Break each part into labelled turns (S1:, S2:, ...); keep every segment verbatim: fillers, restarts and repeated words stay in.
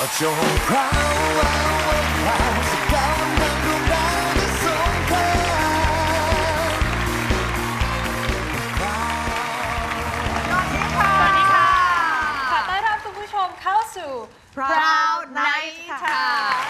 S1: จงพราวพราวสักกำลังดวงดาวจะส่งพราว
S2: สวัสดีค่ะ สวัสดีค่ะ ขอต้อนรับคุณผู้ชมเข้าสู่ Proud Night ค่ะ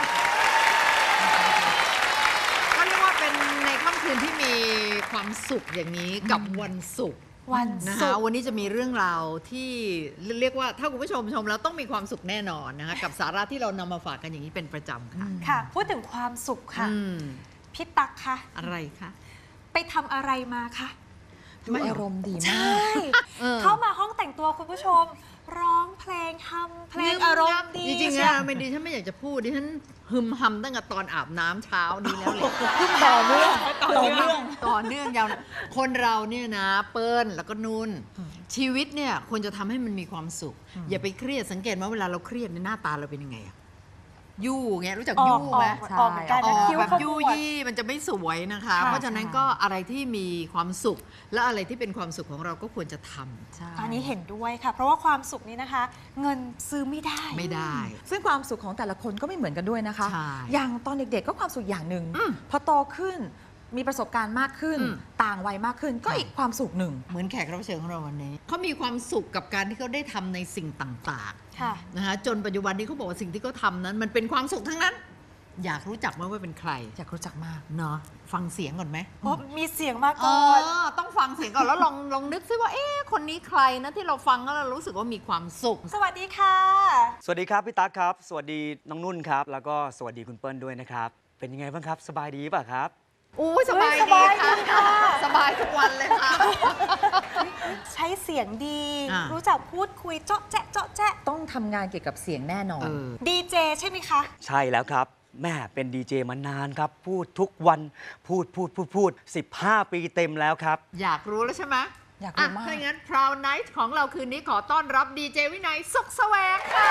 S3: ก็เรียกว่าเป็นในค่ำคืนที่มีความสุขอย่างนี้กับวันศุกร์
S2: วัน
S3: นะ
S2: ศุ
S3: คะ
S2: กร์
S3: วันนี้จะมีเรื่องราวที่เรียกว่าถ้าคุณผู้ชมชมแล้วต้องมีความสุขแน่นอนนะคะกับสาระที่เรานำมาฝากกันอย่างนี้เป็นประจำค่ะ
S2: ค่ะ พูดถึงความสุขค่ะ
S3: อืม
S2: พี่ตั๊กคะ
S3: อะไรคะ
S2: ไปทำอะไรมาคะ
S4: ดูอารมณ์ดีมาก
S2: ใช่
S3: เออ
S2: เข้ามาห้องแต่งตัวคุณผู้ชม ร้องเพลงทำเพลงอารมณ์ดี
S3: จริงๆ
S2: เชี
S3: นะ
S2: ยว
S3: ไม่ดีฉันไม่อยากจะพูดดิฉันฮึมหำตั้งแต่ตอนอาบน้ำเช้านี้แล้วเลย
S4: ต่อเนื่อง
S2: ต่อเนื่อง
S3: ต่อเนื่องยาวนะคนเราเนี่ยนะเปิ้ลแล้วก็นุ่นชีวิตเนี่ยควรจะทำให้มันมีความสุข อย่าไปเครียดสังเกตว่าเวลาเราเครียดในยหน้าตาเราเป็นยังไงอะยู่เงี้ยรู้จัก
S2: ออก
S3: ยู่ไหม
S2: ออกออกเหมือนกัน
S3: อ
S2: นะ
S3: อก
S2: คิ้ว
S3: แบบ
S2: ขม
S3: ยู่
S2: วด
S3: ยี่มันจะไม่สวยนะคะ
S2: ค่ะ
S3: เพราะฉะนั้นก็อะไรที่มีความสุข และอะไรที่เป็นความสุขของเราก็ควรจะทำ
S4: ใช่
S2: อันนี้เห็นด้วยค่ะ เพราะว่าความสุขนี้นะคะ เงินซื้อไม่ได้
S3: ไม่ได้
S4: ซึ่งความสุขของแต่ละคนก็ไม่เหมือนกันด้วยนะคะ
S3: ใช่
S4: อย่างตอนเด็กๆก็ความสุขอย่างหนึ่ง
S3: อืม พ
S4: พอโตขึ้นมีประสบการณ์มากขึ้น
S3: อืม
S4: ต่างวัยมากขึ้นก็
S3: ใช่
S4: อีกความสุขหนึ่ง
S3: เหมือนแขกรับเชิญของเราวันนี้เขามีความสุขกับการที่เขาได้ทำในสิ่งต่าง
S2: ค่ะ
S3: ๆนะคะจนปัจจุบันนี้เขาบอกว่าสิ่งที่เขาทำนั้น มันเป็นความสุขทั้งนั้น อยากรู้จักไหมว่าเป็นใคร
S4: อยากรู้จักมาก
S3: เนาะฟังเสียงก่อนไหม
S2: เพราะมีเสียงมา
S3: เอ
S2: ก่อน
S3: อต้องฟังเสียงก่อนแล้วลองลองนึกซิว่าเอ๊ะคนนี้ใครนะที่เราฟังแล้วเรารู้สึกว่ามีความสุข
S2: สวัสดีค่ะ
S5: สวัสดีครับพี่ตั๊กครับ สวัสดีน้องนุ่นครับ แล้วก็สวัสดีคุณเปิ้ลด้วยนะครับ เป็นยังไงบ้างครับ สบายดีป่ะครับ
S3: อู้สบาย
S2: ส
S3: ดี
S2: บายดี
S3: ค่ะ
S2: ค่ะ
S3: สบายทุกวันเลยค่ะ
S2: ใช้เสียงดี
S3: อ่ารู้
S2: รู้จักพูดคุยเจาะแจ๊ะเจาะแจ๊ะ
S4: ต้องทำงานเกี่ยวกับเสียงแน่นอน
S3: เออ
S2: ดีเจใช่ไหมคะ
S5: ใช่แล้วครับ แม่เป็นดีเจมานานครับ พูดทุกวัน พูดพูดพูดพูดสิบห้าปีเต็มแล้วครับ
S3: อยากรู้แล้วใช่ไหม
S4: อยากรู้
S3: ะ
S4: มาก
S3: ถ้าอย่างนั้น Proud Night ของเราคืนนี้ขอต้อนรับดีเจวินัยสุขแสวงค่ะ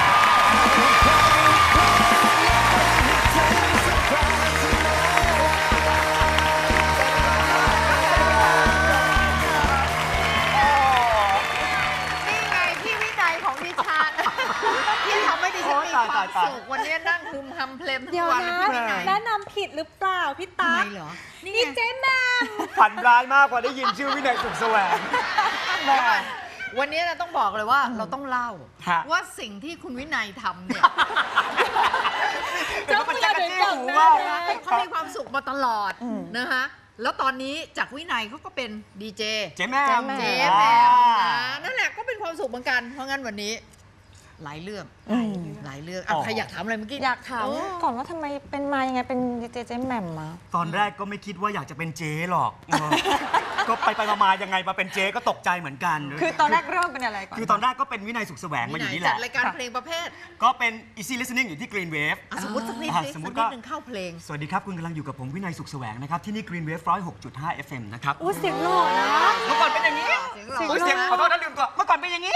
S3: นี่ไงพี่วินัยของดิฉัน ที่ทำให้ดิฉันมีความ
S5: ตายตาย
S3: สุขวันนี้นั่งฮึมฮัมเพลมทุ
S2: เดี๋
S3: ก
S2: ยว
S3: วัน
S2: นะ
S3: พี่วินัย
S2: แนะนำผิดหรือเปล่าพี่
S3: ทำ
S2: ตั๊
S3: ไม
S2: ก
S3: เหรอ นี่
S2: ดี
S3: ไง
S2: เจแหมม
S5: ฝันร้ายมากกว่าได้ยินชื่อวินัยสุขแสวงแม่
S3: วันนี้เราต้องบอกเลยว่าเราต้องเล่า
S5: ฮะ
S3: ว่าสิ่งที่คุณวินัยทำเนี่ย
S5: เดี๋ยวมันจะกระจี้หูมากนะ
S3: เขามีความสุขมาตลอดนะคะแล้วตอนนี้จากวินัยเขาก็เป็นดีเจ
S5: เจ๊แม่
S3: เจ๊
S5: ม
S3: แหมมนะนั่นแหละก็เป็นความสุขเหมือนกัน เพราะงั้นวันนี้ หลายเรื่องหลายเรื่องอ่ะใครอยากถามอะไรเมื่อกี้
S4: อยากถาม
S3: โ
S4: ก่อนว่าทำไมเป็นมายังไงเป็นดีเจเจแหม่มมา
S5: ตอนแรกก็ไม่คิดว่าอยากจะเป็นเจ๊หรอกเออก็ไปไปมาๆยังไงมาเป็นเจ๊ก็ตกใจเหมือนกัน
S4: คือตอนแรกเริ่มเป็นอะไรก่อน
S5: คือตอนแรกก็เป็นวินัยสุขแสวง
S3: วิ
S5: มาอ
S3: นัย
S5: ยู่นี่แห
S3: จั
S5: ละ
S3: ดรายการเพลงประเภท
S5: ก็เป็น easy listening อยู่ที่ Green Wave
S3: อ่ะสมมติสักนิด
S5: อ่ะ
S3: สิ
S5: ส
S3: สั
S5: ม
S3: ก
S5: มุติ
S3: นิ
S5: ก็
S3: ดหนึ่งเข้าเพลง
S5: สวัสดีครับ คุณกำลังอยู่กับผมวินัยสุขแสวงนะครับ ที่นี่ Green Wave หนึ่งศูนย์หกจุดห้า เอฟ เอ็ม นะครับ
S2: อู้เสียงหล่อนะ
S5: เมื่อก่อนเป็นอย่างนี้
S3: เสียงหล่อ
S5: โอ้ยเสียงขอโทษนะลืมตัวเมื่อก่อนเป็นอย่างนี้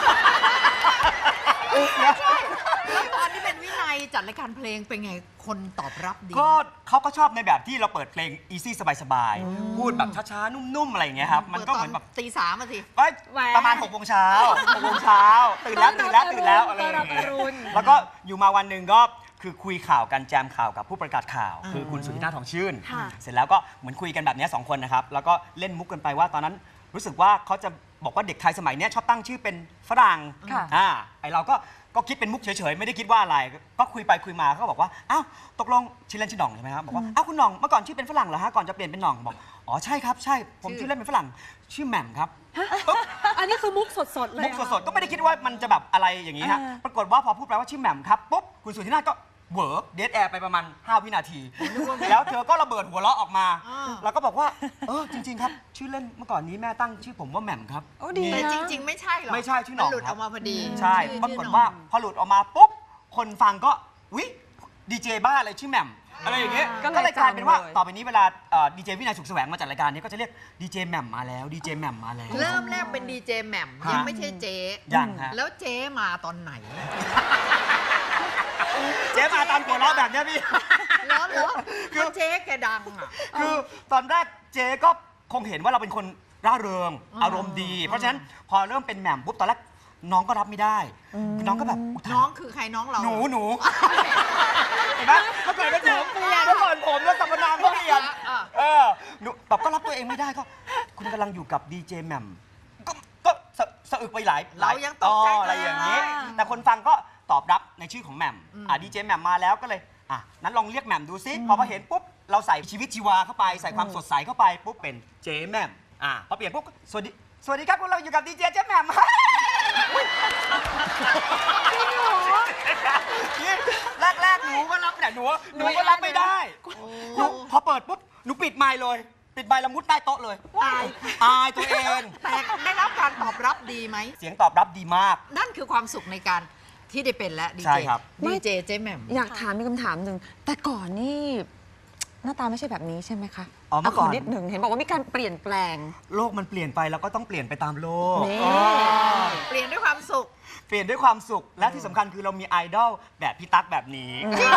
S3: แล้วตอนที่เป็นวินัยจัดรายการเพลงเป็นไงคนตอบรับดี
S5: ก็เขาก็ชอบในแบบที่เราเปิดเพลง easy สบายๆ พูดแบบช้าๆ นุ่มๆ อะไรอย่างเงี้ยครับ มันก็เหมือนแบบ
S3: ตีสามมาสิ
S5: เอ้ย
S2: แหว
S5: ประมาณหกโมงเช้าหกโมงเช้าตื่นแล้วตื่นแล้วตื่นแล้วอะไรอ
S2: ต้อนรั
S5: ย่า
S2: บ
S5: ง
S2: อ
S5: เงี้ย
S2: รุณ
S5: แล้วก็อยู่มาวันหนึ่งก็คือคุยข่าวกันแจมข่าวกับผู้ประกาศข่าว
S3: อ่า
S5: คือคุณสุธินาถทองชื่น
S2: ค่ะ
S5: เสร็จแล้วก็เหมือนคุยกันแบบเนี้ยสองคนนะครับ แล้วก็เล่นมุกกันไปว่าตอนนั้นรู้สึกว่าเขาจะบอกว่าเด็กไทยสมัยเนี้ยชอบตั้งชื่อเป็นฝรั่ง
S4: ค่ะ
S5: อ่าไอเราก็ก็คิดเป็นมุกเฉยๆ ไม่ได้คิดว่าอะไร ก็คุยไปคุยมาเขาก็บอกว่าอ้าวตกลงชื่อเล่นชื่อหน่องใช่ไหมครับบอกว่าอ้าวคุณหน่องเมื่อก่อนชื่อเป็นฝรั่งเหรอฮะก่อนจะเปลี่ยนเป็นหน่องบอกอ๋อใช่ครับใช่ผมชื่อเล่นเป็นฝรั่งชื่อแหม่มครับ
S2: อันนี้คือมุกสดๆเลย
S5: มุกสดๆ ก็ไม่ได้คิดว่ามันจะแบบอะไรอย่างนี้ฮะ ปรากฏว่าพอพูดไปว่าชื่อแหม่มครับ ปุ๊บ คุณสุธินาถก็เวิร์กเดทแอร์ไปประมาณ ห้า วินาที แล้วเธอก็ระเบิดหัวเราะออกมา
S3: อ่า
S5: แล้วก็บอกว่า เออ จริง ๆ ครับ ชื่อเล่นเมื่อก่อนนี้แม่ตั้งชื่อผมว่าแหม่มครับ
S4: โอ้ดี
S3: แต่
S4: นะ
S3: จริง ๆ ไม่ใช่หรอก
S5: ไม่ใช่ชื่อหน่อง
S3: มัหลุด
S5: ค
S3: อ
S5: รั
S3: อบ กมาพอดี
S5: ใช่
S3: ชื่อ
S5: ปรากฏ
S3: ชื่อหน่อง
S5: ว่าพอหลุดออกมาปุ๊บ คนฟังก็วิดีเจบ้าอะไรชื่อแหม่มอะไรอย่างเงี้ย
S4: ก็เลย
S5: ก็เลยกลายเป็นว่า
S4: จำเลย
S5: ต่อไปนี้เวลาดีเจวินัยสุขแสวงมาจัดรายการนี้ก็จะเรียกดีเจแหม่มมาแล้วดีเจแหม่มมาแล้ว
S3: เริ่มแรกเป็นดีเจแหม่ม
S5: ฮะ
S3: ยังไม่ใช่เจ๊
S5: ยังฮะ
S3: แล้วเจ๊มาตอนไหน
S5: เจ๊มาตามหัวเราะแบบเนี้ยพี่
S3: แล้วเหรอคือเจ๊แกดังอ่ะ
S5: คือตอนแรกเจ๊ก็คงเห็นว่าเราเป็นคนร่าเริง
S3: อ่า
S5: อารมณ์ดี เพราะฉะนั้นพอเริ่มเป็นแหม่มปุ๊บตอนแรกน้องก็รับไม่ได้คือน้องก็แบบย
S3: น้องคือใครน้องเรา
S5: หนูหนูเห็นไหมเมื่อก่อนเป็นผมเปลี่ยนเมื่อก่อนผมแล้วสรรพนามก็เปลี่ยนเออหนูแบบก็รับตัวเองไม่ได้ก็ คุณกำลังอยู่กับดีเจแหม่มก็ก็สะสะอึกไปหลายหล
S3: เรายังตกใจ
S5: อะไรอย่างนี้ แต่คนฟังก็ตอบรับในชื่อของแหม่มอ่ะดีเจแหม่มมาแล้วก็เลยอ่ะนั้นลองเรียกแหม่มดูซิพอมาเห็นปุ๊บเราใส่ชีวิตชีวาเข้าไปใส่ความสดใสเข้าไปปุ๊บเป็นเจแหม่มอ่ะพอเปลี่ยนปุ๊บสวัสดีสวัสดีครับพวกเราอยู่กับดีเจเจแหม่มแรกแรกๆหนูก็รับเนี่ยหนูหนูก็รับไม่ได้หนูพอเปิดปุ๊บหนูปิดไมค์เลยปิดไมค์แล้วมุดใต้โต๊ะเลยอายอายตัวเอง
S3: แต่ได้รับการตอบรับดีไหม
S5: เสียงตอบรับดีมาก
S3: นั่นคือความสุขในการที่ได้เป็นและดี
S5: ใช่
S3: เจ
S5: ครับ
S3: ดีเจเจ๊แหม่ม
S4: อยากถามมีคำถามหนึ่งแต่ก่อนนี่หน้าตาไม่ใช่แบบนี้ใช่ไหมคะ
S5: อ๋อเมื่อก่อน
S4: ขนิดหนึ่งเห็นบอกว่ามีการเปลี่ยนแปลง
S5: โลกมันเปลี่ยนไปเราก็ต้องเปลี่ยนไปตามโลก
S4: นี่
S5: อ๋อ
S3: เปลี่ยนด้วยความสุข
S5: เปลี่ยนด้วยความสุขและที่สำคัญคือเรามีไอดอลแบบพี่ตั๊กแบบนี้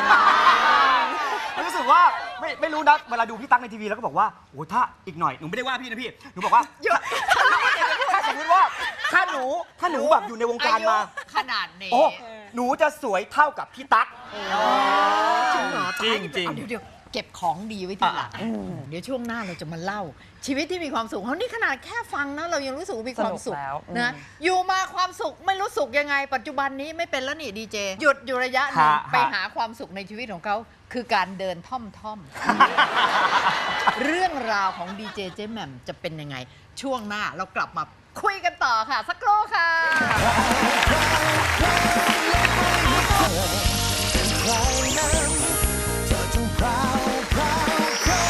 S5: รู้สึกว่าไม่ไม่รู้นะเวลาดูพี่ตั๊กในทีวีแล้วก็บอกว่าโอ้ถ้าอีกหน่อยหนูไม่ได้ว่าพี่นะพี่หนูบอกว่าถ้าสมมติว่าถ้าหนูถ้าหนูแบบอยู่ในวงการมา
S3: ขนาดนี้
S5: โอ้หนูจะสวยเท่ากับพี่ตั๊ก
S3: จริงเหรอ
S5: จริงจริง
S3: เอาเดี๋ยวเดี๋ยวเก็บของดีไว้ทีหลังเดี๋ยวช่วงหน้าเราจะมาเล่า ชีวิตที่มีความสุขเขานี่ขนาดแค่ฟังนะเรายังรู้สึกว่ามีความสุข
S4: สนุกแล้ว
S3: นะอยู่มาความสุขไม่รู้สุขยังไง ปัจจุบันนี้ไม่เป็นแล้วนี่ดีเจหยุดอยู่ระยะหนึ่ง
S5: ฮะ
S3: ไปหาความสุขในชีวิตของเขาคือการเดินท่อมท่อม เรื่องราวของดีเจเจ๊แหม่มจะเป็นยังไง ช่วงหน้าเรากลับมาคุยกันต่อค่ะ สักครู่ค่ะ
S1: ใครนั้นเธอจงพราวพราวพราว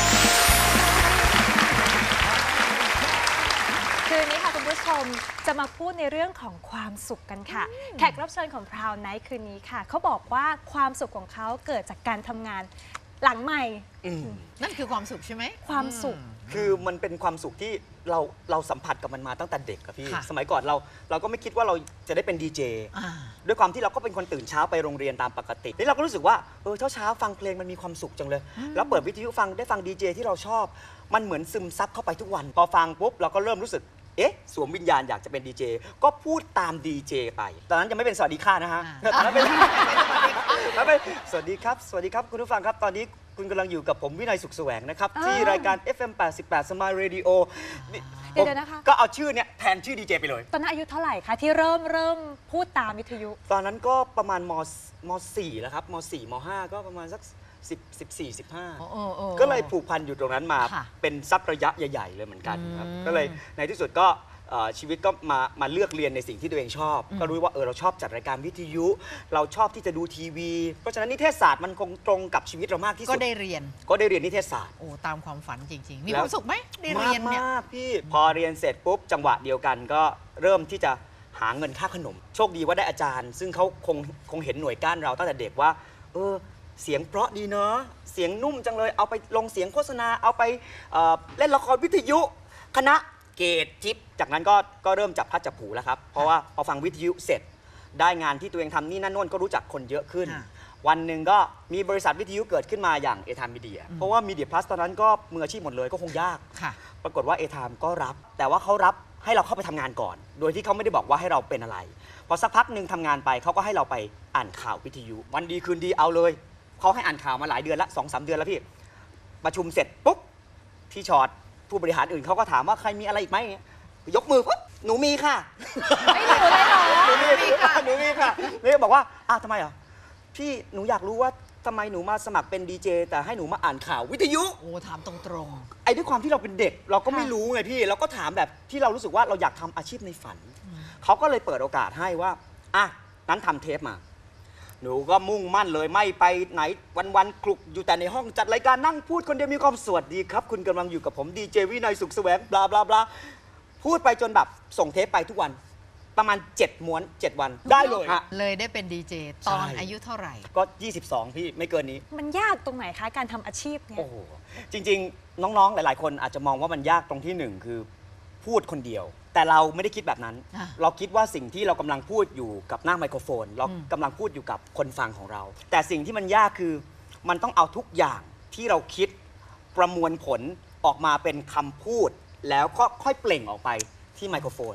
S2: คืนนี้ค่ะคุณผู้ชมจะมาพูดในเรื่องของความสุขกันค่ะ แขกรับเชิญของ Proud Night คืนนี้ค่ะเขาบอกว่าความสุขของเขาเกิดจากการทำงานหลังใหม่
S5: อืม
S3: นั่นคือความสุขใช่ไหม
S2: ความสุข
S5: คือมันเป็นความสุขที่เราเราสัมผัสกับมันมาตั้งแต่เด็กอะพี่
S3: ค่ะ
S5: สมัยก่อนเราเราก็ไม่คิดว่าเราจะได้เป็นดีเจ
S3: อ่า
S5: ด้วยความที่เราก็เป็นคนตื่นเช้าไปโรงเรียนตามปกตินี่เราก็รู้สึกว่าเออเช้าเช้าๆฟังเพลงมันมีความสุขจังเลย แล้วเปิดวิทยุฟังได้ฟังดีเจที่เราชอบ มันเหมือนซึมซับเข้าไปทุกวัน พอฟังปุ๊บเราก็เริ่มรู้สึกเอ๊ะสวมวิญญาณอยากจะเป็นดีเจก็พูดตามดีเจไปตอนนั้นยังไม่เป็นสวัสดีค่ะนะฮะ
S3: อ่า
S5: ตอนนั้นเป็นแล้วเป็นสวัสดีครับสวัสดีครับคุณผู้ฟังครับตอนนี้คุณกำลังอยู่กับผมวินัยสุขแสวงนะครับที่รายการ เอฟ เอ็ม แปดสิบแปด Smile Radio นี่
S2: เดี๋ยวๆนะคะ
S5: ก็เอาชื่อเนี่ยแทนชื่อดีเจไปเลย
S2: ตอนนั้นอายุเท่าไหร่คะที่เริ่มเริ่มพูดตามวิทยุ
S5: ตอนนั้นก็ประมาณมมสี่แล้วครับมสี่มห้าก็ประมาณสักสิบ สิบสี่ สิบห้า
S3: โอ้โอ้โอ้
S5: ก็เลยผูกพันอยู่ตรงนั้นมา
S3: ค่ะ
S5: เป็นสักระยะใหญ่ๆเลยเหมือนกันครับ
S3: อืม
S5: ก็เลยในที่สุดก็เอ่อชีวิตก็มามาเลือกเรียนในสิ่งที่ตัวเองชอบ ก็รู้ว่าเออเราชอบจัดรายการวิทยุ เราชอบที่จะดูทีวี เพราะฉะนั้นนิเทศศาสตร์มันคงตรงกับชีวิตเรามากที่
S3: ก็
S5: สุด
S3: ได้เรียน
S5: ก็ได้เรียนนิเทศศาสตร์
S3: โอ้ตามความฝันจริง ๆ มี
S5: แล้
S3: คว วามสุขไหมได้เรียนเนี่ย
S5: มากๆพี่พอเรียนเสร็จปุ๊บจังหวะเดียวกันก็เริ่มที่จะหาเงินค่าขนม โชคดีว่าได้อาจารย์ ซึ่งเขาคงคงเห็นหน่วยก้านเราตั้งแต่เด็กว่าเออเสียงเพราะดีเนาะเสียงนุ่มจังเลยเอาไปลงเสียงโฆษณาเอาไปเอ่อเล่นละครวิทยุ คณะเกตทิปจากนั้นก็ก็เริ่มจับพลัดจับผลูแล้วครับ เพราะว่าพอฟังวิทยุเสร็จ ได้งานที่ตัวเองทำนี่นั่นโน่นก็รู้จักคนเยอะขึ้น
S3: ค่ะ
S5: วันหนึ่งก็มีบริษัทวิทยุเกิดขึ้นมาอย่างเอทามมีเดียเพราะว่ามีเดียพลัสตอนนั้นก็มืออาชีพหมดเลยก็คงยาก
S3: ค่ะ
S5: ปรากฏว่าเอทามก็รับ แต่ว่าเขารับให้เราเข้าไปทำงานก่อน โดยที่เขาไม่ได้บอกว่าให้เราเป็นอะไร พอสักพักหนึ่งทำงานไปเขาก็ให้เราไปอ่านข่าววิทยุ วันดีคืนดีเอาเลยเขาให้อ่านข่าวมาหลายเดือนละสองสามเดือนแล้วพี่ประชุมเสร็จปุ๊บพี่ชอตผู้บริหารอื่นเขาก็ถามว่าใครมีอะไรอีกไหมยกมือปุ๊บหนูมีค่ะ
S2: ไม่รู้เลยเหรอ
S5: หนูมีค่ะหนูมีค่ะนี่บอกว่าอ้าวทำไมอ่ะพี่หนูอยากรู้ว่าทำไมหนูมาสมัครเป็นดีเจแต่ให้หนูมาอ่านข่าววิทยุ
S3: โอ้ถามตรง
S5: ไอ้ด้วยความที่เราเป็นเด็กเราก็ไม่
S2: ค่ะ
S5: รู้ไงพี่เราก็ถามแบบที่เรารู้สึกว่าเราอยากทำอาชีพในฝัน เขาก็เลยเปิดโอกาสให้ว่าอ่ะนั้นทำเทปมา หนูก็มุ่งมั่นเลยไม่ไปไหนวันๆคลุกอยู่แต่ในห้องจัดรายการนั่งพูดคนเดียวมีความสวัสดีครับ คุณกำลังอยู่กับผมดีเจวินัยสุขแสวงบลาบลาบลาพูดไปจนแบบส่งเทปไปทุกวัน ประมาณเจ็ดม้วนเจ็ดวันได้เลยฮะ
S3: ๆ เลยได้เป็นดีเจตอน
S5: ใช่
S3: อายุเท่าไหร่
S5: ก็ยี่สิบสองพี่ไม่เกินนี้
S2: มันยากตรงไหนคะการทำอาชีพเนี่ย
S5: โอ้โห จริง ๆ น้อง ๆ หลาย ๆ คนอาจจะมองว่ามันยากตรงที่หนึ่งคือพูดคนเดียว แต่เราไม่ได้คิดแบบนั้น
S3: อ่ะ
S5: เราคิดว่าสิ่งที่เรากำลังพูดอยู่กับหน้าไมโครโฟน เรากำลังพูดอยู่กับคนฟังของเรา แต่สิ่งที่มันยากคือมันต้องเอาทุกอย่างที่เราคิดประมวลผลออกมาเป็นคำพูด แล้วก็ค่อยเปล่งออกไปที่ไมโครโฟน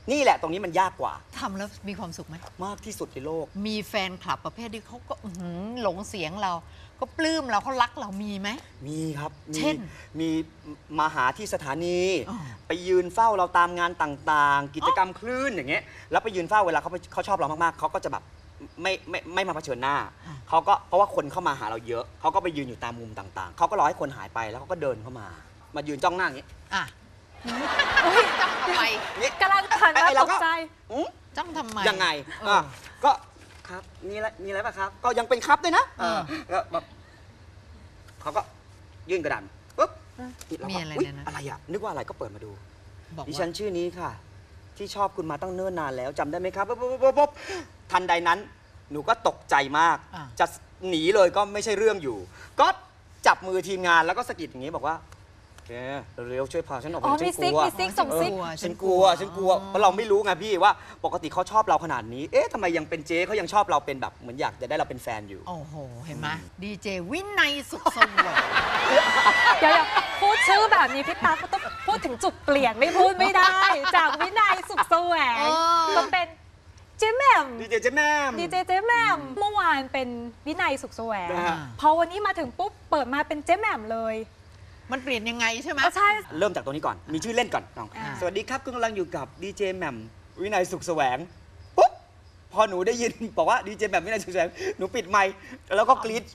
S5: นี่แหละตรงนี้มันยากกว่า
S3: ทำแล้วมีความสุขไหม
S5: มากที่สุดในโลก
S3: มีแฟนคลับประเภทที่เขาก็อื้อหือหลงเสียงเรา ก็ปลื้มเราเขารักเรามีไหม
S5: มีครับมี
S3: เช่น
S5: มีมาหาที่สถานี
S3: อ๋อ
S5: ไปยืนเฝ้าเราตามงานต่างๆ กิจกรรมคลื่นอย่างเงี้ยแล้วไปยืนเฝ้าเวลาเขาไปเขาชอบเรามากๆเขาก็จะแบบไม่ไม่ไม่มาเผชิญหน้าเขาก็เพราะว่าคนเข้ามาหาเราเยอะเขาก็ไปยืนอยู่ตามมุมต่างๆเขาก็รอให้คนหายไปแล้วเขาก็เดินเข้ามา มายืนจ้องหน้าอย่างงี้
S3: อ่ะจ้องทำไม
S2: กำลังทัน
S5: ไอ้
S2: ว่า
S5: เรา
S2: ต
S5: ก็
S2: กใจ
S5: อืม
S3: จ้องทำไม
S5: ยังไง
S3: เออ
S5: อ่ะก็ครับมีอะไรมีอะไรป่ะครับ ก็ยังเป็นครับด้วยนะ
S3: เออ
S5: ก็แบบเขาก็ยื่นกระดานปุ๊บเรา
S3: มี
S5: ก็
S3: อะไร
S5: อุ๊ย
S3: ในนั้น
S5: อะไรอ่ะนึกว่าอะไรก็เปิดมาดู
S3: บอก
S5: ดิ
S3: ว่า
S5: ฉันชื่อนี้ค่ะ ที่ชอบคุณมาตั้งเนิ่นนานแล้วจำได้ไหมครับปุ๊บปุ๊บปุ๊บปุ๊บทันใดนั้น หนูก็ตกใจมาก
S3: อ่ะ
S5: จะหนีเลยก็ไม่ใช่เรื่องอยู่ ก็จับมือทีมงานแล้วก็สะกิดอย่างนี้บอกว่าแกเร็วๆช่วยพาฉันออกไป
S2: อ๋อ
S5: ฉั
S2: มี
S5: นก
S2: ซิก
S5: ลัว
S2: มีซิกส่งซิก
S3: กลัว
S5: ฉันกลัวฉันกลัวเพราะเราไม่รู้ไงพี่ว่าปกติเขาชอบเราขนาดนี้ เอ๊ะทำไมยังเป็นเจ๊เขายังชอบเราเป็นแบบเหมือนอยากจะได้เราเป็นแฟนอยู่
S3: โอ้โห เห็นไหมดีเจวินัยสุขสวัสดิ์
S2: เดี๋ยวๆพูดชื่อแบบนี้พี่ตั๊กก็ต้องพูดถึงจุดเปลี่ยนไม่พูดไม่ได้ จากวินัยสุขแสวง
S3: เออ
S2: ก็เป็นเจ๊แหม่ม
S5: ดีเจเจ๊แม่ม
S2: ดีเจเจ๊แหม่มเมื่อวานเป็นวินัยสุขแสวง
S5: นะฮะ
S2: พอวันนี้มาถึงปุ๊บเปิดมาเป็นเจ๊แหม่มเลย
S3: มันเปลี่ยนยังไงใช่ไหม
S2: ก็ใช่
S5: เริ่มจากตัวนี้ก่อน มีชื่อเล่นก่อนน้อง
S2: อ่า
S5: สวัสดีครับคุณกำลังอยู่กับดีเจแหม่มวินัยสุขแสวง ปุ๊บ พอหนูได้ยิน บอกว่าดีเจแหม่มวินัยสุขแสวง หนูปิดไมค์แล้วก็กรี๊ด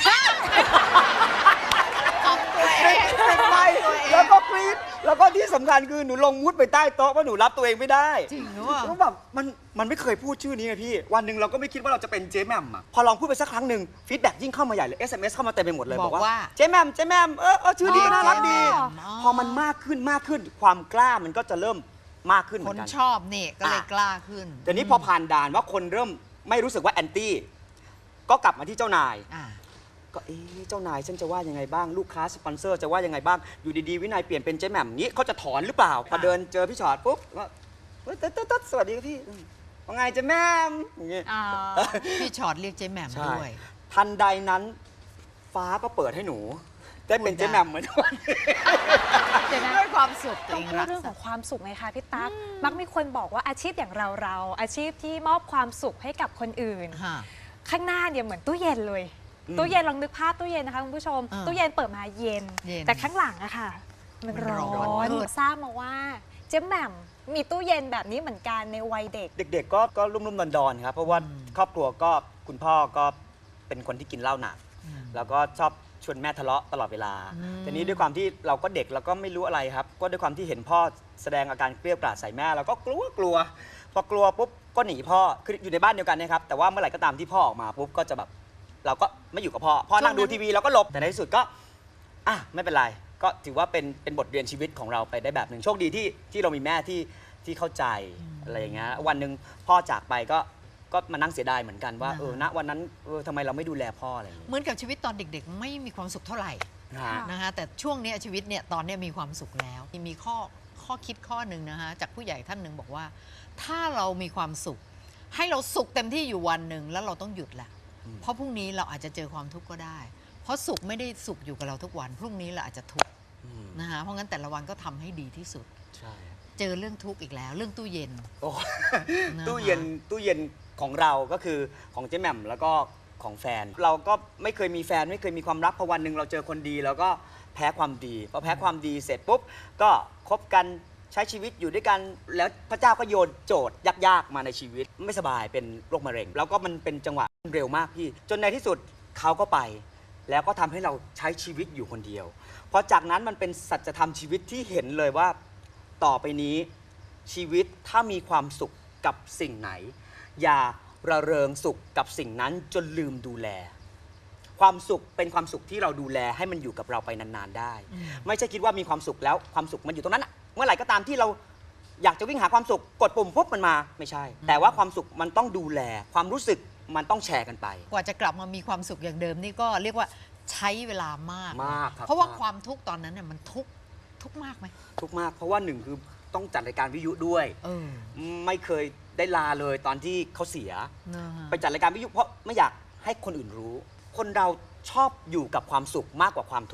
S3: ของตัวเอง
S5: ปิดไมค์แล้วก็กรี๊ด แล้วก็ที่สำคัญคือหนูลงมุดไปใต้โต๊ะเพราะหนูรับตัวเองไม่ได้
S3: จริงหรือเปล่า
S5: แล้วแบบมันมันไม่เคยพูดชื่อนี้ไงพี่ วันหนึ่งเราก็ไม่คิดว่าเราจะเป็นเจ๊แหม่มอ่ะ พอลองพูดไปสักครั้งหนึ่งฟีดแบ็กยิ่งเข้ามาใหญ่เลย เอส เอ็ม เอส เข้ามาเต็มไปหมดเลย
S3: บอกว่า
S5: เจ๊แหม่มเจ๊แหม่มเออเออชื่อดี
S3: อ๋อ
S5: น่ารักดี
S3: เจ๊แหม่มอ๋อ
S5: พอมันมากขึ้นมากขึ้น ความกล้ามันก็จะเริ่มมากขึ้นเห
S3: ค
S5: มือน นกัน
S3: ชอบนี่ก็เลย
S5: อ่ะ
S3: กล้าขึ้น
S5: แต่นี้พอผ่านด่านว่าคนเริ่มไม่รู้สึกว่าแอนตี้ ก็กลับมาที่เจ้านาย
S3: อ่ะ
S5: ก็เอ๊ะเจ้านายฉันจะว่ายังไงบ้าง ลูกค้าสปอนเซอร์จะว่ายังไงบ้าง อยู่ดีๆวินัยเปลี่ยนเป็นเจ๊แหม่มงี้เขาจะถอนหรือเปล่า พอเดินเจอพี่ชอตปุ๊บก็เฮ้ยตึ๊ดตึ๊ดตึ๊ดสวัสดีครับพี่อืมว่าไงเจ๊แหม่มอย่างงี้
S2: อ่า
S3: พี่ชอตเรียกเจ๊แหม่ม
S5: ใช่
S3: ด้วย
S5: ทันใดนั้น ฟ้าก็เปิดให้หนู ได้เป็นเจ๊แหม่มเหมือนกัน
S2: เดี๋ยวนะ
S3: ด้วยความสุขตัว
S2: ต้อ
S3: เอง ง
S2: พู
S3: รั
S2: ด
S3: ก
S2: เรื่อง
S3: ษา
S2: ของความสุขไงคะพี่ตั๊กมักมีคนบอกว่าอาชีพอย่างเราเราๆอาชีพที่มอบความสุขให้กับคนอื่น
S3: ฮะ
S2: ข้างหน้าเนี่ยเหมือนตู้เย็นเลย
S5: อืม
S2: ตู้เย็นลองนึกภาพตู้เย็นนะคะคุณผู้ชม
S3: อ่า
S2: ตู้เย็นเปิดมาเย็น
S3: เย็น
S2: แต่ข้างหลังอะค่ะ มัน
S3: มัน
S2: ร้
S3: ร้
S2: อ
S3: อน
S2: นทราบมาว่าเจ๊แหม่มมีตู้เย็นแบบนี้เหมือนกันในวัยเด็ก
S5: เด็กๆก็ก็รุ่มๆดอนๆครับ เพราะว่าครอบครัวก็คุณพ่อก็เป็นคนที่กินเหล้าหนัก แล้วก็ชอบชวนแม่ทะเลาะตลอดเวลา
S3: อืม
S5: ทีนี้ด้วยความที่เราก็เด็กเราก็ไม่รู้อะไรครับ ก็ด้วยความที่เห็นพ่อแสดงอาการเกลี้ยวกล่อมใส่แม่เราก็กลัวกลัว พอกลัวปุ๊บก็หนีพ่อ คืออยู่ในบ้านเดียวกันนะครับ แต่ว่าเมื่อไหร่ก็ตามที่พ่อออกมาปุ๊บก็จะแบบเราก็ไม่อยู่กับพ่อ พ่อนั่งดูทีวีเราก็หลบ แต่ในที่สุดก็อ่ะไม่เป็นไร ก็ถือว่าเป็นเป็นบทเรียนชีวิตของเราไปได้แบบหนึ่งโชคดีที่ที่เรามีแม่ที่ที่เข้าใจอะไรอย่างเงี้ย วันหนึ่งพ่อจากไปก็ก็มานั่งเสียดายเหมือนกันว่า
S3: นะ
S5: เออณวันนั้นเออทำไมเราไม่ดูแลพ่ออะไรอย่างเงี้ย
S3: เหมือนกับชีวิตตอนเด็กๆ ไม่มีความสุขเท่าไหร่
S5: นะฮะ
S3: นะคะแต่ช่วงเนี้ยชีวิตเนี่ยตอนเนี้ยมีความสุขแล้วมีข้อข้อคิดข้อหนึ่งนะคะจากผู้ใหญ่ท่านหนึ่งบอกว่า ถ้าเรามีความสุข ให้เราสุขเต็มที่อยู่วันหนึ่งแล้วเราต้องหยุดแหละ
S5: อืม
S3: เพราะพรุ่งนี้เราอาจจะเจอความทุกข์ก็ได้ เพราะสุขไม่ได้สุขอยู่กับเราทุกวัน พรุ่งนี้เราอาจจะทุกข์
S5: อืม
S3: นะคะเพราะงั้นแต่ละวันก็ทำให้ดีที่สุด
S5: ใช่
S3: เจอเรื่องทุกข์อีกแล้ว เรื่องตู้เย็น
S5: โอ้
S3: นะคะ
S5: ตู้เย็นตู้เย็นของเราก็คือของเจ๊แหม่มแล้วก็ของแฟน เราก็ไม่เคยมีแฟนไม่เคยมีความรักพอวันหนึ่งเราเจอคนดีแล้วก็แพ้ความดีพอแพ้ความดีเสร็จปุ๊บก็คบกันใช้ชีวิตอยู่ด้วยกันแล้วพระเจ้าก็โยนโจทย์ยากๆมาในชีวิต ไม่สบายเป็นโรคมะเร็ง แล้วก็มันเป็นจังหวะเร็วมากพี่จนในที่สุดเขาก็ไป แล้วก็ทำให้เราใช้ชีวิตอยู่คนเดียวพอจากนั้นมันเป็นสัจธรรมชีวิตที่เห็นเลยว่าต่อไปนี้ชีวิตถ้ามีความสุขกับสิ่งไหน อย่าระเริงสุขกับสิ่งนั้นจนลืมดูแล ความสุขเป็นความสุขที่เราดูแลให้มันอยู่กับเราไปนานๆได้ ไม่ใช่คิดว่ามีความสุขแล้วความสุขมันอยู่ตรงนั้นน่ะเมื่อไหร่ก็ตามที่เราอยากจะวิ่งหาความสุขกดปุ่มปุ๊บมันมาไม่ใช่ แต่ว่าความสุขมันต้องดูแล ความรู้สึกมันต้องแชร์กันไป
S3: กว่าจะกลับมามีความสุขอย่างเดิมนี่ก็เรียกว่าใช้เวลามาก
S5: มากครับ
S3: เพราะว่า
S5: าก
S3: ความทุกข์ตอนนั้นเนี่ยมันทุกข์ทุกข์มากไหม
S5: ทุกข์มากเพราะว่าหนึ่งคือต้องจัดรายการวิทยุด้วย
S3: เออ
S5: ไม่เคยได้ลาเลยตอนที่เขาเสีย
S3: นะฮะ
S5: ไปจัดรายการวิทยุเพราะไม่อยากให้คนอื่นรู้ คนเราชอบอยู่กับความสุขมากกว่าความทุกข์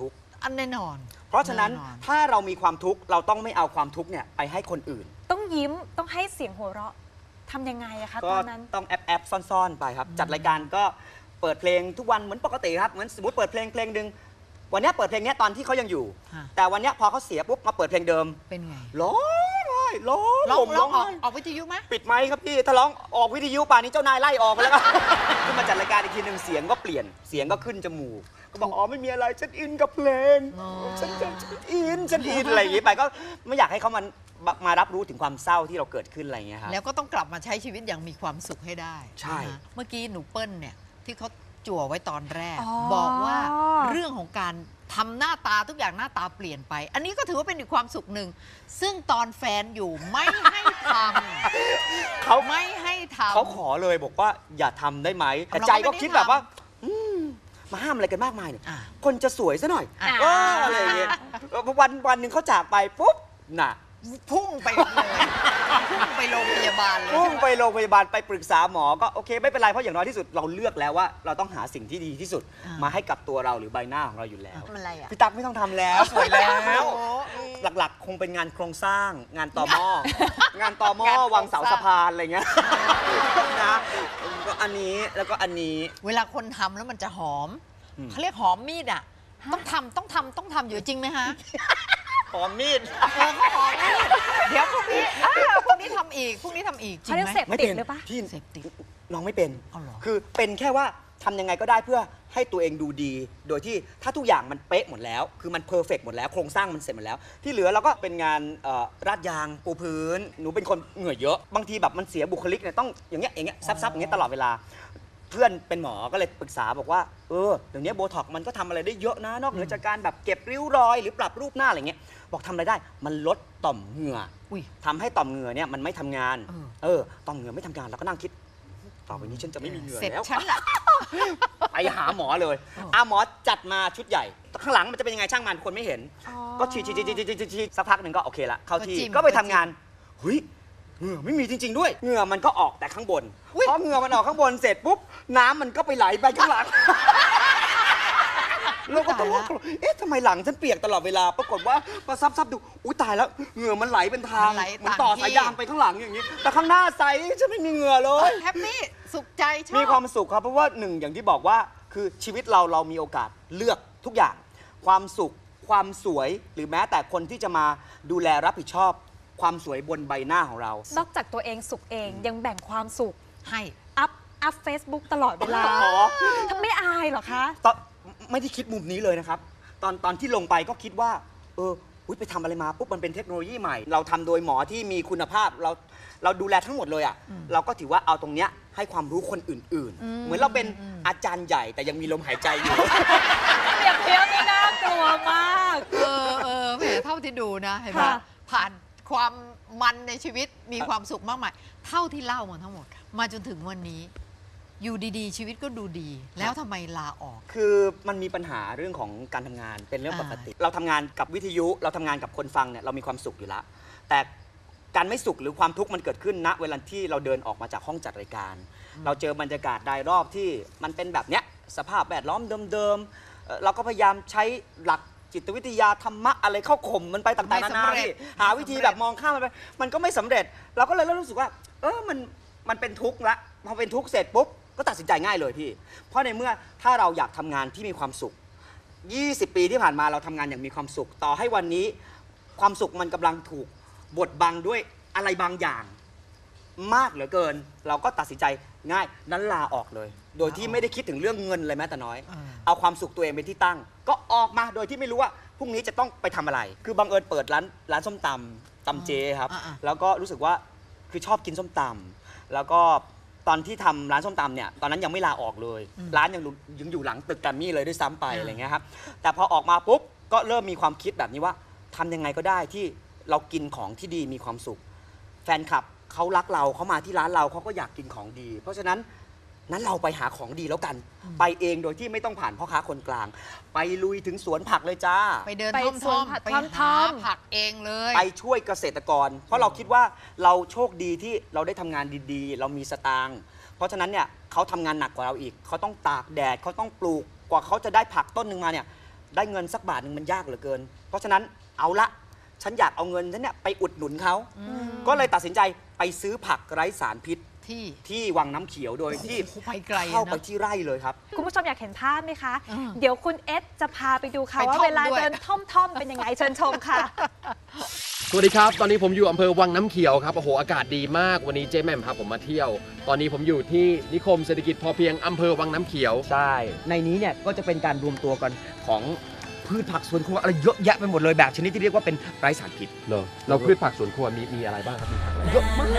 S3: อันแน่นอน
S5: เพราะฉะนั้น
S3: แอ
S5: ถ้าเรามีความทุกข์เราต้องไม่เอาความทุกข์เนี่ยไปให้คนอื่น
S2: ต้องยิ้มต้องให้เสียงหัวเราะทำยังไงอะคะ
S5: ก็
S2: ตอนนั้น
S5: ต้องแอบแอบซ่อนๆไปครับ จัดรายการก็เปิดเพลงทุกวันเหมือนปกติครับเหมือนสมมติเปิดเพลงเพลงหนึ่งวันเนี้ยเปิดเพลงเนี้ยตอนที่เขายังอยู่
S3: ฮะ
S5: แต่วันเนี้ยพอเขาเสียปุ๊บมาเปิดเพลงเดิม
S3: เป็นไง
S5: ร้องไห้ร้อง
S3: ร้อง
S5: ผม
S3: ร้องออก
S5: ไห้
S3: ออกวิทยุไหม
S5: ปิดไมค์ครับพี่ถ้าร้องออกวิทยุป่านนี้เจ้านายไล่ออกไปแล้ว ขึ้นมาจัดรายการอีกทีหนึ่งเสียงก็เปลี่ยนเสียงก็ขึ้นจมูกก็บอกอ๋อไม่มีอะไรฉันอินกับเพลง
S3: อ๋อ
S5: ฉันฉันฉันอินฉันอินอะไรอย่างงี้ไปก็ไม่อยากให้เขามันมารับรู้ถึงความเศร้าที่เราเกิดขึ้นอะไรอย่างเงี้ยครับ
S3: แล้วก็ต้องกลับมาใช้ชีวิตอย่างมีความสุขให้ได้
S5: ใช่
S3: นะเมื่อกี้หนูเปิ้ลเนี่ยที่เขาจั่วไว้ตอนแรก
S2: อ๋อ
S3: บอกว่าเรื่องของการทำหน้าตาทุกอย่างหน้าตาเปลี่ยนไป อันนี้ก็ถือว่าเป็นอีกความสุขหนึ่ง ซึ่งตอนแฟนอยู่ไม่ให้ท
S5: เขา
S3: ำไม่ให้ทำ
S5: เขาขอเลยบอกว่าอย่าทำได้ไหมแต่
S3: เราก็
S5: ใจก็
S3: ไม่ได้
S5: คิดแบบว่า
S3: ท
S5: อืมมาห้ามอะไรกันมากมายเนี่ย
S3: อ่ะ
S5: คนจะสวยซะหน่อย
S3: อ่ะ
S5: เอออะไรอย่างเงี้ยวันวันหนึ่งเขาจากไปปุ๊บน่ะ
S3: พุ่งไปเลยพุ่งไปโรงพยาบาลเลย
S5: พุ่งไปโรงพยาบาลไปปรึกษาหมอก็โอเคไม่เป็นไรเพราะอย่างน้อยที่สุดเราเลือกแล้วว่าเราต้องหาสิ่งที่ดีที่สุด มาให้กับตัวเราหรือใบหน้าของเราอยู่แล้ว
S3: มันอะไรอ่ะ
S5: พี่ตั๊กไม่ต้องทำแล้วสวยแล้ว
S3: โอ้
S5: หลักๆ คงเป็นงานโครงสร้าง งานต่อหม้องานต่อหม้อง
S3: านโครง
S5: วางเสา
S3: สร้าง
S5: สะพานอะไรเงี้ยนะก็อันนี้แล้วก็อันนี้
S3: เวลาคนทำแล้วมันจะหอม
S5: อืม
S3: เขาเรียกหอมมีดอ่ะ ต้องทำต้องทำต้องทำอยู่จริงไหมฮะ
S5: หอมมีด
S3: เออเขาหอมมีดเดี๋ยวพรุ่งนี้อ้าวพรุ่งนี้ทำอีกพรุ่งนี้ทำอีกจริ
S2: เขา
S3: ง
S2: เรียก
S3: ไหม
S2: เสพ
S5: ไม่
S2: ติด
S5: เป็น
S2: หรือปะ
S5: พี่
S3: เสพติด
S5: น้องไม่เป็น
S3: เอาเหรอ
S5: คือเป็นแค่ว่าทำยังไงก็ได้เพื่อให้ตัวเองดูดี โดยที่ถ้าทุกอย่างมันเป๊ะหมดแล้ว คือมันเพอร์เฟกหมดแล้วโครงสร้างมันเสร็จหมดแล้ว ที่เหลือเราก็เป็นงานเอ่อราดยางปูพื้น หนูเป็นคนเหงื่อเยอะ บางทีแบบมันเสียบุคลิกเนี่ยต้องอย่างเงี้ยอย่างเงี้ยซับๆอย่างเงี้ยตลอดเวลา เพื่อนเป็นหมอก็เลยปรึกษาบอกว่าเออเดี๋ยวนี้โบท็อกมันก็ทำอะไรได้เยอะนะนอกเหนือจากการแบบเก็บริ้วรอย หรือปรับรูปหน้าอะไรเงี้ยบอกทำอะไรได้มันลดต่อมเหงื่อ
S3: อุ้ย
S5: ทำให้ต่อมเหงื่อเนี่ยมันไม่ทำงาน
S3: เออ
S5: เออต่อมเหงื่อไม่ทำงานเราก็นั่งคิด ต่อไปนี้ฉันจะไม่มีเหงื่อ
S3: เสร็จ
S5: แล้ว
S3: ฉันละ
S5: ไปหาหมอเลย
S3: เออ
S5: อ่ะหมอจัดมาชุดใหญ่ ข้างหลังมันจะเป็นยังไงช่างมันคนไม่เห็น
S2: อ๋อ
S5: ก็ฉีดฉีดฉีดฉีดฉีดฉีดสักพักหนึ่งก็โอเคละเข้าที่
S3: ก็จิ้ม
S5: ก็ไป
S3: ก็
S5: ทำ
S3: จิ้ม
S5: งานเฮ้ยเหงื่อไม่มีจริง ๆ ด้วยเหงื่อมันก็ออกแต่ข้างบน
S3: อุ๊ย
S5: พอเหงื่อมันออกข้างบนเสร็จปุ๊บน้ำมันก็ไปไหลไปข้างหลังเราก็ต้องว่าเอ๊ะทำไมหลังฉันเปียกตลอดเวลา ปรากฏว่าพอซับซับดูอุ้ยตายแล้วเหงื่อมันไหลเป็นทาง
S3: มันไหล
S5: เหมือนต่อ
S3: ต่างที่
S5: สายยางไปข้างหลังอย่างนี้ แต่ข้างหน้าใสฉันไม่มีเหงื่อเลย
S3: แฮปปี้สุขใจชอบ
S5: มีความสุขครับเพราะว่าหนึ่งอย่างที่บอกว่าคือชีวิตเราเรามีโอกาสเลือกทุกอย่าง ความสุข ความสวย หรือแม้แต่คนที่จะมาดูแลรับผิดชอบ ความสวยบนใบหน้าของเรา
S2: นอกจากตัวเองสุขเองยังแบ่งความสุข
S3: ให้
S2: อัพอัพเฟซบุ๊กตลอดเวลา
S5: อ๋อ
S2: ทำไม่อายเหรอคะ
S5: ตอนไม่ได้คิดมุมนี้เลยนะครับ ตอนตอนที่ลงไปก็คิดว่า เอออุ๊ยไปทำอะไรมาปุ๊บมันเป็นเทคโนโลยีใหม่ เราทำโดยหมอที่มีคุณภาพเราเราดูแลทั้งหมดเลยอ่ะเราก็ถือว่าเอาตรงเนี้ยให้ความรู้คนอื่น ๆ เหมือนเราเป็นอาจารย์ใหญ่แต่ยังมีลมหายใจอยู่
S2: เปรียบเทียบนี่น่ากลัวมาก
S3: เออเออแหมเท่าที่ดูนะเห็นไหม
S2: ค่ะ
S3: ผ่านความมันในชีวิตมีความสุขมากมาย เท่าที่เล่ามาทั้งหมด มาจนถึงวันนี้ อยู่ดีๆ ชีวิตก็ดูดี แล้วทำไมลาออก
S5: คือมันมีปัญหาเรื่องของการทำงานเป็นเรื่องปกติ เราทำงานกับวิทยุเราทำงานกับคนฟังเนี่ยเรามีความสุขอยู่แล้ว แต่การไม่สุขหรือความทุกข์มันเกิดขึ้นณเวลาที่เราเดินออกมาจากห้องจัดรายการ เราเจอบรรยากาศรายรอบที่มันเป็นแบบเนี้ยสภาพแวดล้อมเดิมๆเอ่อเราก็พยายามใช้หลักจิตวิทยาธรรมะอะไรเข้าข่มมันไปต่างๆนานา
S3: ไม่สำเร็จ
S5: พี่หาวิธีแบบมองข้ามมันไปมันก็ไม่สำเร็จ เราก็เลยเริ่มรู้สึกว่า เออมันมันเป็นทุกข์ละพอเป็นทุกข์เสร็จปุ๊บก็ตัดสินใจง่ายเลยพี่ เพราะในเมื่อถ้าเราอยากทำงานที่มีความสุข ยี่สิบ ปีที่ผ่านมาเราทำงานอย่างมีความสุข ต่อให้วันนี้ความสุขมันกำลังถูกบดบังด้วยอะไรบางอย่าง มากเหลือเกิน เราก็ตัดสินใจง่ายนั้นลาออกเลย โดยที่ไม่ได้คิดถึงเรื่องเงินเลยแม้แต่น้อย
S3: อ่า
S5: เอาความสุขตัวเองเป็นที่ตั้ง ก็ออกมาโดยที่ไม่รู้ว่าพรุ่งนี้จะต้องไปทำอะไร คือบังเอิญเปิดร้านร้านส้มตำตำเจครับ
S3: อ่าๆ
S5: แล้วก็รู้สึกว่าคือชอบกินส้มตำแล้วก็ตอนที่ทำร้านส้มตำเนี่ยตอนนั้นยังไม่ลาออกเลย ร้านยังอยู่ยังอยู่หลังตึกแกรมมี่เลยด้วยซ้ำไป
S3: อ่า
S5: อะไรเงี้ยครับแต่พอออกมาปุ๊บก็เริ่มมีความคิดแบบนี้ว่าทำยังไงก็ได้ที่เรากินของที่ดีมีความสุข แฟนคลับเขารักเราเขามาที่ร้านเราเขาก็อยากกินของดี เพราะฉะนั้นนั้นเราไปหาของดีแล้วกัน ไปเองโดยที่ไม่ต้องผ่านพ่อค้าคนกลาง ไปลุยถึงสวนผักเลยจ้า
S3: ไปเดิน
S2: ไป
S3: ท่อม
S2: สวน
S3: ท่อม
S2: ผัก
S3: ไป
S2: ท่อม
S3: หา
S2: ท่อม
S3: ผักเองเลย
S5: ไปช่วยเกษตรกร เพราะเราคิดว่าเราโชคดีที่เราได้ทำงานดีๆ เรามีสตางค์เพราะฉะนั้นเนี่ยเขาทำงานหนักกว่าเราอีกเขาต้องตากแดดเขาต้องปลูกกว่าเขาจะได้ผักต้นหนึ่งมาเนี่ยได้เงินสักบาทหนึ่งมันยากเหลือเกิน เพราะฉะนั้นเอาละฉันอยากเอาเงินฉันเนี่ยไปอุดหนุนเขาก็เลยตัดสินใจไปซื้อผักไร้สารพิษ
S3: ที่
S5: ที่วังน้ำเขียวโดยที่
S3: โอ้โหไปไกลอะ
S5: เข้าไป
S3: เนอะ
S5: ที่ไร่เลยครับ
S2: คุณผู้ชมอยากเห็นภาพไหมคะ
S3: อืม
S2: เดี๋ยวคุณเอสจะพาไปดูค่ะ
S3: ไป
S2: ว่า
S3: ท่อง
S2: เวลา
S3: ด้วย
S2: เดินท่อมๆเป็นยังไงเชิญชมค่ะ
S6: สวัสดีครับ ตอนนี้ผมอยู่อำเภอวังน้ำเขียวครับ โอ้โห อากาศดีมาก วันนี้เจ๊แหม่มพาผมมาเที่ยว ตอนนี้ผมอยู่ที่นิคมเศรษฐกิจพอเพียงอำเภอวังน้ำเขียว
S5: ใช่ ในนี้เนี่ยก็จะเป็นการรวมตัวกันของพืชผักสวนครัวอะไรเยอะแยะไปหมดเลยแบบชนิดที่เรียกว่าเป็นไร้สารพิษ
S6: เหรอ เราพืชผักสวนครัวมีมีอะไรบ้างครับมีผักอะไร
S5: เยอะมาก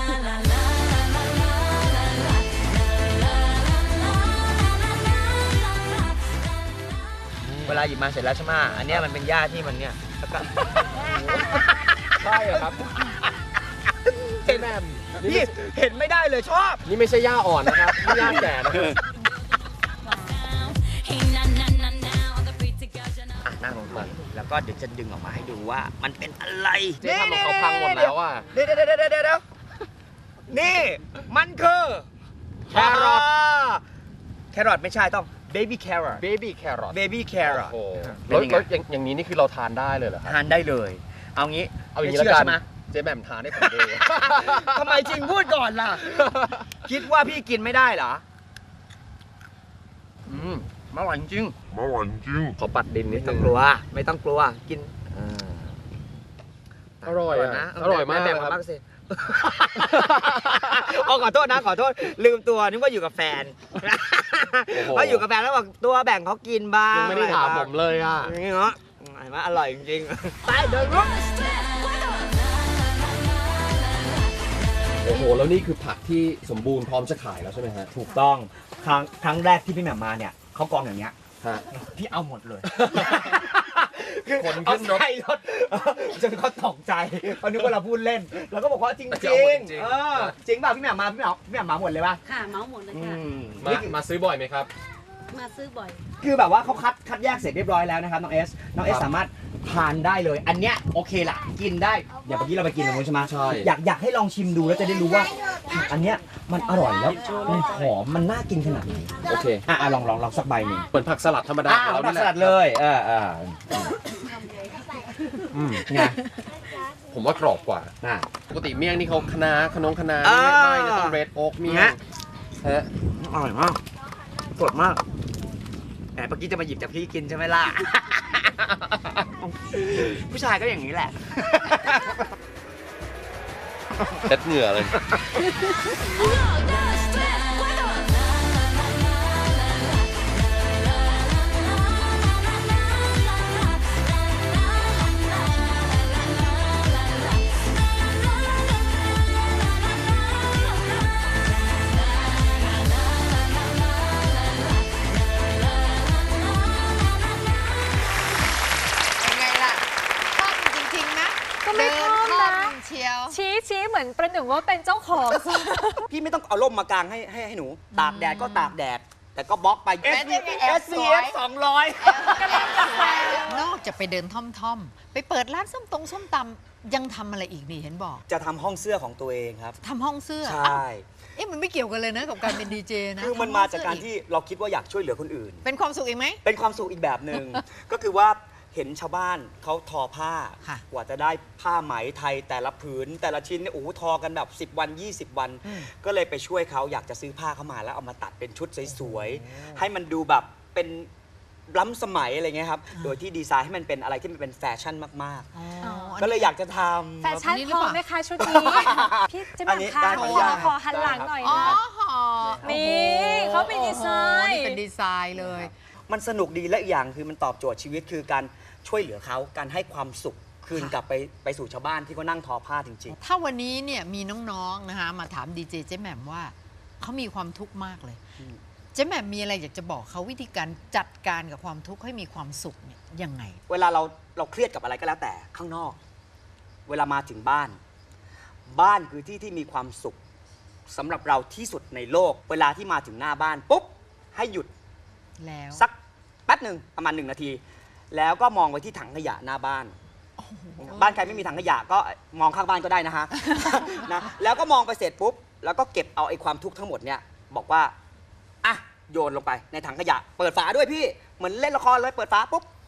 S5: เวลาหยิบมาเสร็จแล้วใช่ไหมอันเนี้ยมันเป็นหญ้าที่มันเนี่ยแล้วก็
S6: ใช่เหรอครับเจ๊แหม่มนี่
S5: พี่
S6: ไม่
S5: เห็นไม่ได้เลยชอบ
S6: นี่ไม่ใช่หญ้าอ่อนนะครับนี่หญ้าแก่นะครับ
S5: อ่ะนั่งลงมาแล้วก็เดี๋ยวจะดึงออกมาให้ดูว่ามันเป็นอะไร
S6: เจ๊ทำของเขาพังหมดแล้วอ่ะ
S5: เดี๋ยวเดี๋ยวเดี๋ยวเดี๋ยวเดี๋ยวนี่มันคือแครอทแครอทไม่ใช่ต้องเบบี้แครอท
S6: baby carrot
S5: เบบี้แครอท
S6: โอ้โห
S5: เป็
S6: แล้ว
S5: นยังไง
S6: แล้วอย่างอย่างนี้นี่คือเราทานได้เลยเหรอครับ
S5: ทานได้เลย เอางี้
S6: เอาอย่างนี้
S5: ไม่
S6: แล้ว
S5: ชื่
S6: กัน
S5: ใช่ไหม
S6: เจ๊แหม่มทานให้ผมดู
S5: ทำไมจริงพูดก่อนล่ะ คิดว่าพี่กินไม่ได้เหรอ
S6: อืมอร่อยจริง
S7: อร่อยจริง
S6: ขอปัดดินนิ
S5: ไม่
S6: ด
S5: ต้
S6: นึ
S5: อง
S6: ง
S5: กลัว ไม่ต้องกลัวกิน
S6: อร่อยอะ
S5: นะ
S6: อร่อยมาก
S5: แบ่ง
S6: เลยครับ
S5: บ้างสิเอาขอโทษนะขอโทษลืมตัวนึกว่าอยู่กับแฟน
S6: โอ้โห
S5: เพราะอยู่กับแฟนแล้วบอกตัวแบ่งเขากินบ้าง
S6: ยังไม่ได้ถามผมเลยอ่ะ
S5: นี่เนาะเห็นไหมอร่อยจริงๆไปเดินรุก
S6: โอ้โห แล้วนี่คือผักที่สมบูรณ์พร้อมจะขายแล้วใช่ไหมฮะ
S5: ถูกต้องครั้งครั้งแรกที่พี่แหม่มมาเนี่ยเขากองอย่างเงี้ย
S6: ฮะ
S5: พี่เอาหมดเลย
S6: ขนขึ้นรถ
S5: เอาใส่รถจนเขาตกใจเขานึกว่าเราพูดเล่นเราก็บอกว่าจริง
S6: จะ
S5: จ
S6: เอา
S5: ริ
S6: หม
S5: ง
S6: ดจริง
S5: เออจริงป่ะพี่แหม่มมาพี่แหม่มพี่แหม่มมาหมดเลยป่ะ
S8: ค่ะเมาส์หมดเลย
S5: อื
S8: ค่ะ
S5: ม
S6: มา
S5: นี่คือ
S6: มาซื้อบ่อยไหมครับ
S8: มาซื้อบ่อย
S5: คือแบบว่าเขาคัดคัดแยกเสร็จเรียบร้อยแล้วนะครับน้องเอสน้องเอสสามารถทานได้เลย อันเนี้ยโอเคละกินได้อย่างเมื่อกี้เราไปกินตรงนู้นใช่ไหม
S6: ใช่
S5: อยากอยากให้ลองชิมดูแล้วจะได้รู้ว่าผักอันเนี้ยมันอร่อยแล้วมันหอมมันน่ากินขนาดไหน
S6: โอเค
S5: อ่ะอ่ะลองลองลองสักใบหนึ่ง
S6: เหมือนผักสลัดธรรมดา
S5: อ่า
S6: ของเรา
S5: ผั
S6: นี่
S5: ก
S6: แห
S5: ส
S6: ละ
S5: ลัดเลยเออเออ
S6: อืม
S5: ไง
S6: ผมว่ากรอบกว่า
S5: น่ะ
S6: ปกติเมี่ยงนี่เขาคะน้าขนงคะน้า
S5: อ่า
S6: ไม่ไม่นะต้องเรดโอ๊กเมี่ยง
S5: ฮะ
S6: ฮะ
S5: อร่อยมากสดมากแหมเมื่อกี้จะมาหยิบจากพี่กินใช่ไหมล่ะ ผู้ชายก็อย่างนี้แหละ
S6: เช็ดเหงื่อเลย
S3: เป็นไงล่ะคล่องจริงๆนะ
S2: ก็ไม่คล่องนะ
S3: เดินคล่องเชียว
S2: ชี้ชี้เหมือนประหนึ่งว่าเป็นเจ้าของ
S5: พี่ไม่ต้องเอาร่มมากางให้ให้ให้หนู ตากแดดก็ตากแดด แต่ก็บล็อกไป
S3: แอส
S5: เอส
S3: พี
S5: พี
S3: เอ
S5: เอ
S3: ฟ
S5: ฟสองร้อย
S3: นอกจากไปเดินท่อมๆ ไปเปิดร้านส้มตรงส้มตำยังทำอะไรอีกนี่เห็นบอก
S5: จะทำห้องเสื้อของตัวเองครับ
S3: ทำห้องเสื้อ
S5: ใช
S3: อ้าว
S5: ่
S3: เอ๊ะมันไม่เกี่ยวกันเลยนะกับการเป็นดีเจนะ
S5: คือมัน
S3: ทำห้
S5: มา
S3: อง
S5: จาก
S3: เสื้อ
S5: การที่เราคิดว่าอยากช่วยเหลือคนอื่น
S3: เป็นความสุขอีกไหม
S5: เป็นความสุขอีกแบบหนึ่ง ก็คือว่าเห็นชาวบ้านเขาทอผ้า
S3: ค่ะ
S5: กว่าจะได้ผ้าไหมไทยแต่ละผืน แต่ละชิ้นเนี่ยโอ้โหทอกันแบบ สิบ วัน ยี่สิบ วัน
S3: อืม
S5: ก็เลยไปช่วยเขาอยากจะซื้อผ้าเข้ามาแล้วเอามาตัดเป็นชุดสวยๆ ให้มันดูแบบเป็นล้ำสมัยอะไรเงี้ยครับ โดยที่ดีไซน์ให้มันเป็นอะไรที่มันเป็นแฟชั่นมาก
S3: อ๋อ
S5: ๆ
S3: อัน
S5: ก็
S3: นี้
S5: เลยอยากจะทำ
S2: แฟชั่น
S3: แบบนี้หรือ
S2: พอ
S3: เปล่า
S2: ไหมคะชุดนี้ พี่เจะ
S5: อั
S2: มาน
S5: นี้
S2: ค่ะ
S5: ได้
S2: ขอ
S5: ขออนุญาต
S2: ขอหันหลังหน่อย
S3: อ๋อ
S2: นะ
S3: ห่อ
S2: นี่เขาเป็นดีไซน์
S3: โอ้โหนี่เป็นดีไซน์เลย
S5: มันสนุกดีและอีกอย่างคือมันตอบโจทย์ชีวิตคือการช่วยเหลือเขาการให้ความสุขคืน
S3: ค่ะ
S5: กลับไปไปสู่ชาวบ้านที่เขานั่งทอผ้าจริง
S3: ถ้าวันนี้เนี่ยมีน้องๆนะคะมาถามดีเจเจ๊แหม่มว่าเขามีความทุกข์มากเลย
S5: อืม
S3: เจ๊แหม่มมีอะไรอยากจะบอกเขาวิธีการจัดการกับความทุกข์ให้มีความสุขเนี่ยยังไง
S5: ๆ เวลาเราเราเครียดกับอะไรก็แล้วแต่ข้างนอก เวลามาถึงบ้าน บ้านคือที่ที่มีความสุขสำหรับเราที่สุดในโลก เวลาที่มาถึงหน้าบ้านปุ๊บให้หยุด
S3: แล้ว
S5: สักแป๊บหนึ่งประมาณหนึ่งนาที แล้วก็มองไปที่ถังขยะหน้าบ้าน บ้านใครไม่มีถังขยะก็มองข้างบ้านก็ได้นะฮ ะ นะแล้วก็มองไปเสร็จปุ๊บแล้วก็เก็บเอาไอ้ความทุกข์ทั้งหมดเนี่ยบอกว่าอ่ะโยนลงไปในถังขยะ เปิดฝาด้วยพี่เหมือนเล่นละครเลยเปิดฝาปุ๊บ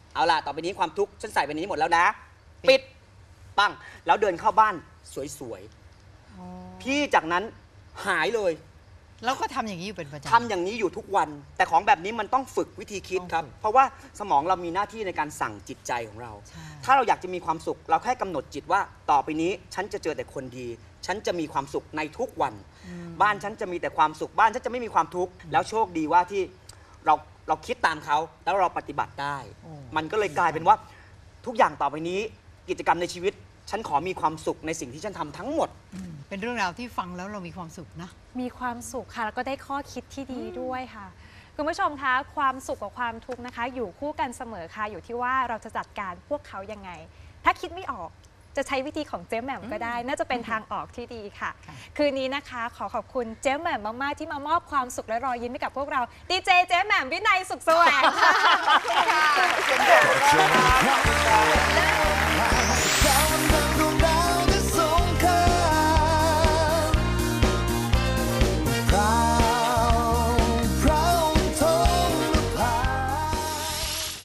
S5: เอาล่ะต่อไปนี้ความทุกข์ฉันใส่ไปในนี้หมดแล้วนะ ปิดปังแล้วเดินเข้าบ้านสวยๆพี่จากนั้นหายเลย
S3: แล้วก็ทำอย่างนี้อยู่เป็นประจำ
S5: ทำอย่างนี้อยู่ทุกวัน แต่ของแบบนี้มันต้องฝึกวิธีคิดครับ เพราะว่าสมองเรามีหน้าที่ในการสั่งจิตใจของเรา
S3: ใช่
S5: ถ้าเราอยากจะมีความสุข เราแค่กำหนดจิตว่าต่อไปนี้ฉันจะเจอแต่คนดี ฉันจะมีความสุขในทุกวัน บ้านฉันจะมีแต่ความสุขบ้านฉันจะไม่มีความทุกข์แล้วโชคดีว่าที่เราเราคิดตามเขาแล้วเราปฏิบัติได้ มันก็เลยกลายเป็นว่าทุกอย่างต่อไปนี้กิจกรรมในชีวิต ฉันขอมีความสุขในสิ่งที่ฉันทำทั้งหมด
S3: เป็นเรื่องราวที่ฟังแล้วเรามีความสุขนะ
S2: มีความสุขค่ะแล้วก็ได้ข้อคิดที่ดีด้วยค่ะคุณผู้ชมคะความสุขกับความทุกข์นะคะ อยู่คู่กันเสมอค่ะอยู่ที่ว่าเราจะจัดการพวกเขายังไง ถ้าคิดไม่ออกจะใช้วิธีของเจ๊แหม่มก็ได้ น่าจะเป็นทางออกที่ดีค่ะ คืนนี้นะคะ ขอขอบคุณเจ๊แหม่มมากๆที่มามอบความสุขและรอยยิ้มให้กับพวกเราดีเจเจ๊แหม่มวินัยสุขแสวงค่ะ
S1: Show me how